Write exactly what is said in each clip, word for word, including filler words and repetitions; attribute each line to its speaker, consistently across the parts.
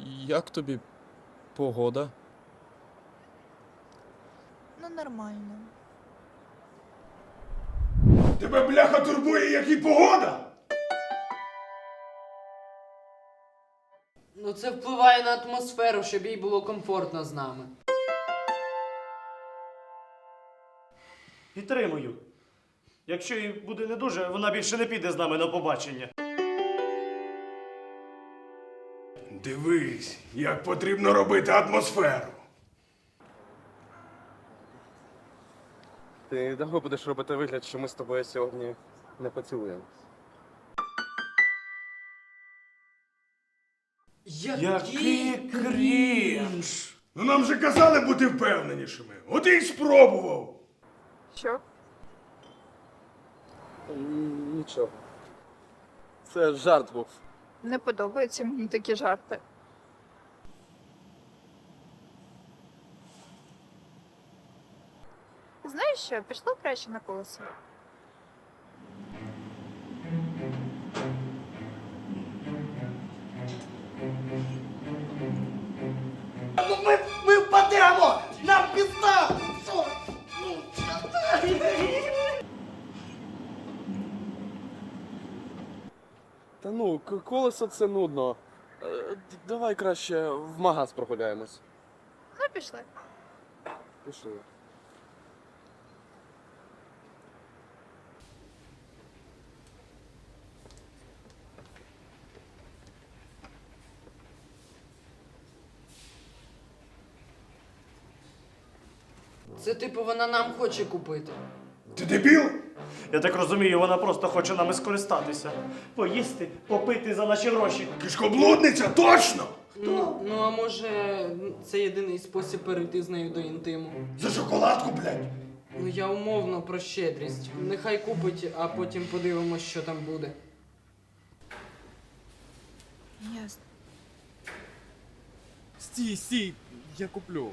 Speaker 1: Як тобі погода?
Speaker 2: Ну, нормально.
Speaker 3: Тебе, бляха, турбує, як і погода?
Speaker 4: Ну це впливає на атмосферу, щоб їй було комфортно з нами.
Speaker 5: Підтримую. Якщо їй буде не дуже, вона більше не піде з нами на побачення.
Speaker 3: Дивись, як потрібно робити атмосферу.
Speaker 6: Ти довго будеш робити вигляд, що ми з тобою сьогодні не поцілуємо?
Speaker 5: Який крінж!
Speaker 3: Ну нам же казали бути впевненішими. От і й спробував.
Speaker 2: Що?
Speaker 6: М, Нічого. Це жарт був.
Speaker 2: Не подобаються мені такі жарти. Знаєш що, пішло краще на колесо.
Speaker 5: Ми, ми впадемо! Нам пізда! Що?
Speaker 6: Та ну, к- колесо це нудно. Е, д- Давай краще в магаз прогуляємось.
Speaker 2: Ну, пішли.
Speaker 6: Пішли.
Speaker 4: Це типу вона нам хоче купити.
Speaker 3: Ти дебіл?
Speaker 5: Я так розумію, вона просто хоче нами скористатися. Поїсти, попити за наші гроші.
Speaker 3: Кишкоблудниця, точно!
Speaker 4: Ну, ну а може це єдиний спосіб перейти з нею до інтиму.
Speaker 3: За шоколадку, блядь.
Speaker 4: Ну я умовно про щедрість. Нехай купить, а потім подивимось, що там буде.
Speaker 2: Ясно.
Speaker 1: Стій, стій, я куплю.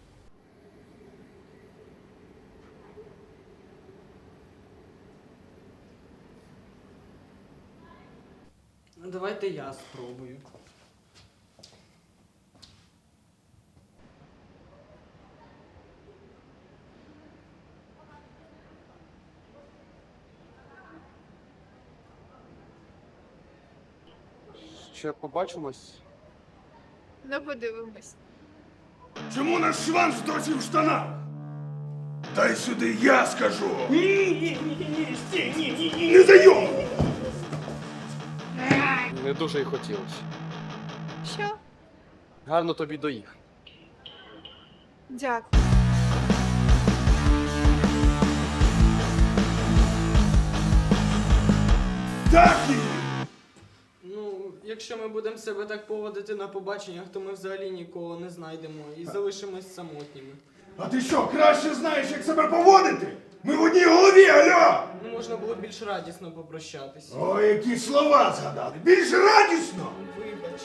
Speaker 4: Ну, давайте я спробую.
Speaker 6: Ще побачимось.
Speaker 2: Ну, подивимось.
Speaker 3: Чому наш шванс досі в штанах? Дай сюди, я скажу.
Speaker 5: Ні, ні, ні, ні, стій, ні, ні, ні.
Speaker 3: Не зайом!
Speaker 6: Не дуже й хотілося.
Speaker 2: Що?
Speaker 6: Гарно тобі доїхати.
Speaker 2: Дякую.
Speaker 3: Так її!
Speaker 4: Ну, якщо ми будемо себе так поводити на побаченнях, то ми взагалі нікого не знайдемо і залишимось самотніми.
Speaker 3: А ти що, краще знаєш, як себе поводити? Ми в одній голові, алло!
Speaker 4: Ну, можна було більш радісно попрощатись.
Speaker 3: Ой, які слова згадали! Більш радісно!
Speaker 4: Вибач.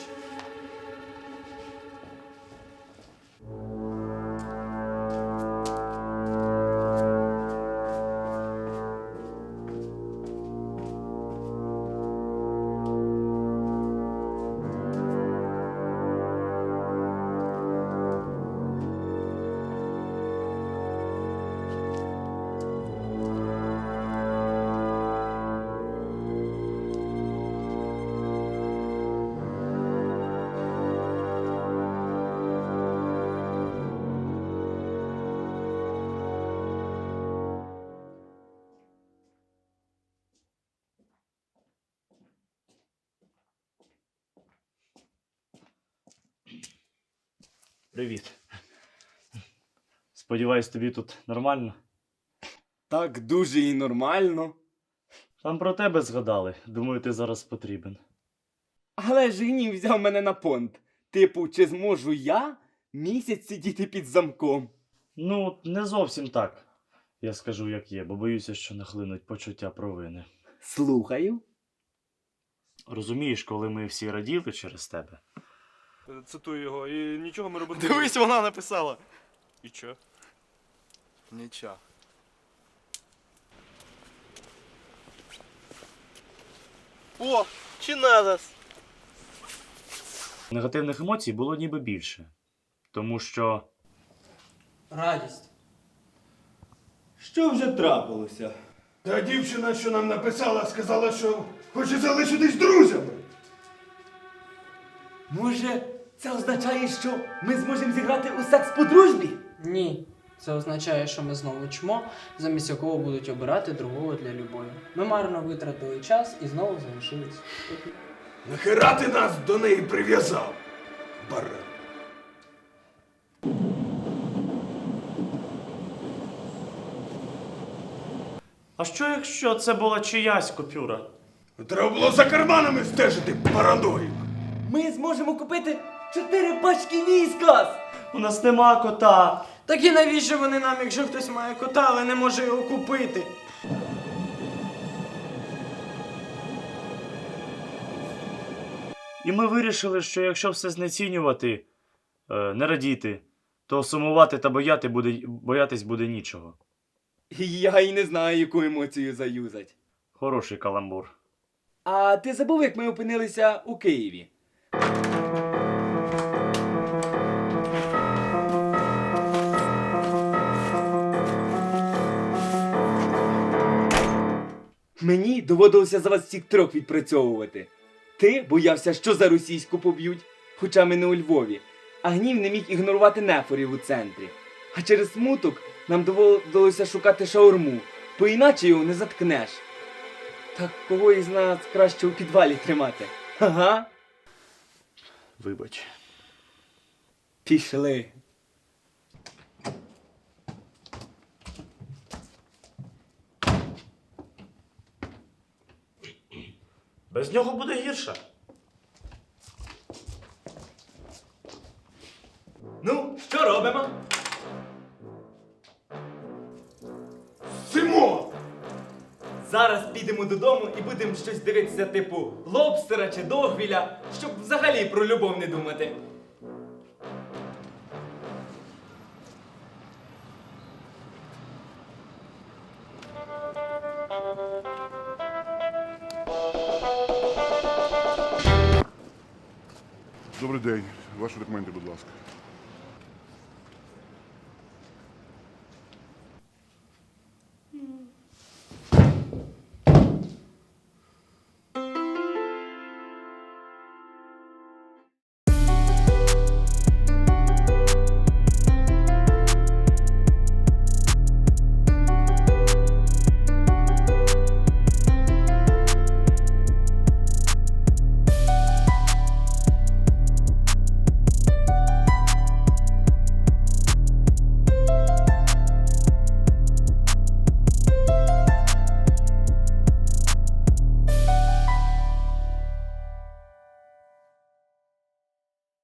Speaker 5: Привіт. Сподіваюсь, тобі тут нормально?
Speaker 7: Так дуже і нормально.
Speaker 5: Там про тебе згадали. Думаю, ти зараз потрібен.
Speaker 7: Але ж гнів взяв мене на понт. Типу, чи зможу я місяць сидіти під замком?
Speaker 5: Ну, не зовсім так. Я скажу, як є, бо боюся, що нахлинуть почуття провини.
Speaker 7: Слухаю.
Speaker 5: Розумієш, коли ми всі раділи через тебе,
Speaker 8: Цитую його, і нічого ми робити.
Speaker 7: Дивись, вона написала.
Speaker 8: І що?
Speaker 7: Нічого. О, чи надо?
Speaker 5: Негативних емоцій було ніби більше. Тому що
Speaker 4: Радість.
Speaker 7: Що вже трапилося?
Speaker 3: Та дівчина, що нам написала, сказала, що хоче залишитись друзями.
Speaker 7: Може, це означає, що ми зможемо зіграти у секс по дружбі?
Speaker 4: Ні. Це означає, що ми знову чмо, замість якого будуть обирати другого для любові. Ми марно витратили час і знову залишились.
Speaker 3: Нахера ти нас до неї прив'язав? Баран.
Speaker 5: А що якщо це була чиясь купюра?
Speaker 3: Треба було за карманами стежити, параноїк.
Speaker 7: Ми зможемо купити чотири пачки віскас!
Speaker 5: У нас нема кота.
Speaker 4: Так і навіщо вони нам, якщо хтось має кота, але не може його купити?
Speaker 5: І ми вирішили, що якщо все знецінювати, е, не радіти, то сумувати та бояти буде, боятись буде нічого.
Speaker 7: Я й не знаю, яку емоцію заюзать.
Speaker 5: Хороший каламбур.
Speaker 7: А ти забув, як ми опинилися у Києві? Мені доводилося за вас всіх трьох відпрацьовувати. Ти боявся, що за російську поб'ють, хоча ми не у Львові, а гнів не міг ігнорувати нефорів у центрі. А через смуток нам доводилося шукати шаурму, бо іначе його не заткнеш. Так кого із нас краще у підвалі тримати? Ага.
Speaker 5: Вибач.
Speaker 7: Пішли.
Speaker 5: Без нього буде гірше.
Speaker 7: Ну, що робимо?
Speaker 3: Симо!
Speaker 7: Зараз підемо додому і будемо щось дивитися типу лобстера чи догвіля, щоб взагалі про любов не думати.
Speaker 9: Добрий день. Ваші документи, будь ласка.